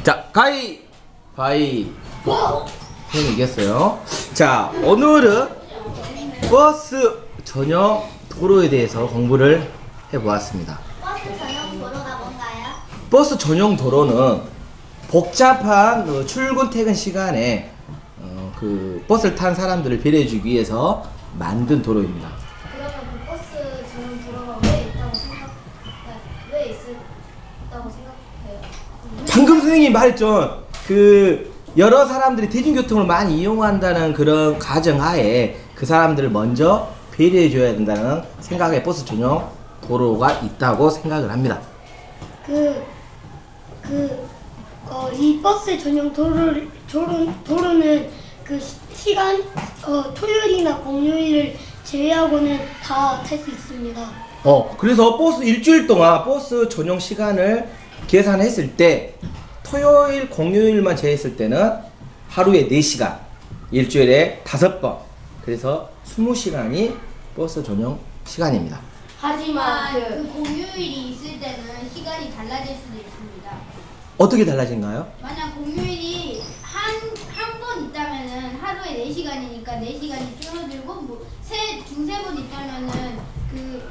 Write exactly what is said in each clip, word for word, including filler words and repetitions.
자, 가위 바위 형이 이겼어요. 자, 오늘은 버스 전용 도로에 대해서 공부를 해보았습니다. 버스 전용 도로가 뭔가요? 버스 전용 도로는 복잡한 어, 출근 퇴근 시간에 어, 그 버스를 탄 사람들을 배려해주기 위해서 만든 도로입니다. 그러면 그 버스 전용 도로가 왜 있다고 생각, 왜 있다고 생각해요? 방금 선생님이 말했죠. 그 여러 사람들이 대중교통을 많이 이용한다는 그런 가정하에 그 사람들을 먼저 배려해줘야 된다는 생각에 버스 전용 도로가 있다고 생각을 합니다. 그, 그, 어, 이 버스 전용 도로를, 도로, 도로는 그 시간, 어, 토요일이나 공휴일을 제외하고는 다 탈 수 있습니다. 어, 그래서 버스 일주일 동안 버스 전용 시간을 계산했을 때 토요일, 공휴일만 제외했을 때는 하루에 네 시간, 일주일에 다섯 번, 그래서 이십 시간이 버스 전용 시간입니다. 하지만 그 공휴일이 있을 때는 시간이 달라질 수도 있습니다. 어떻게 달라진가요? 만약 공휴일이 한, 한 번 있다면은 하루에 네 시간이니까 네 시간이 줄어들고 뭐 세, 두세 번 있다면은 그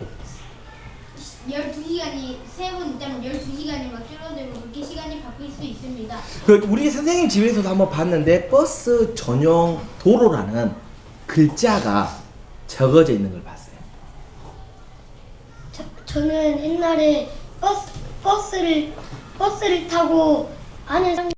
열두 시간이 세 번 있다면 열두 시간이 막 줄어들고 그렇게 시간이 바뀔 수 있습니다. 그 우리 선생님 집에서도 한번 봤는데 버스 전용 도로라는 글자가 적어져 있는 걸 봤어요. 저, 저는 옛날에 버스, 버스를, 버스를 타고 아는 사람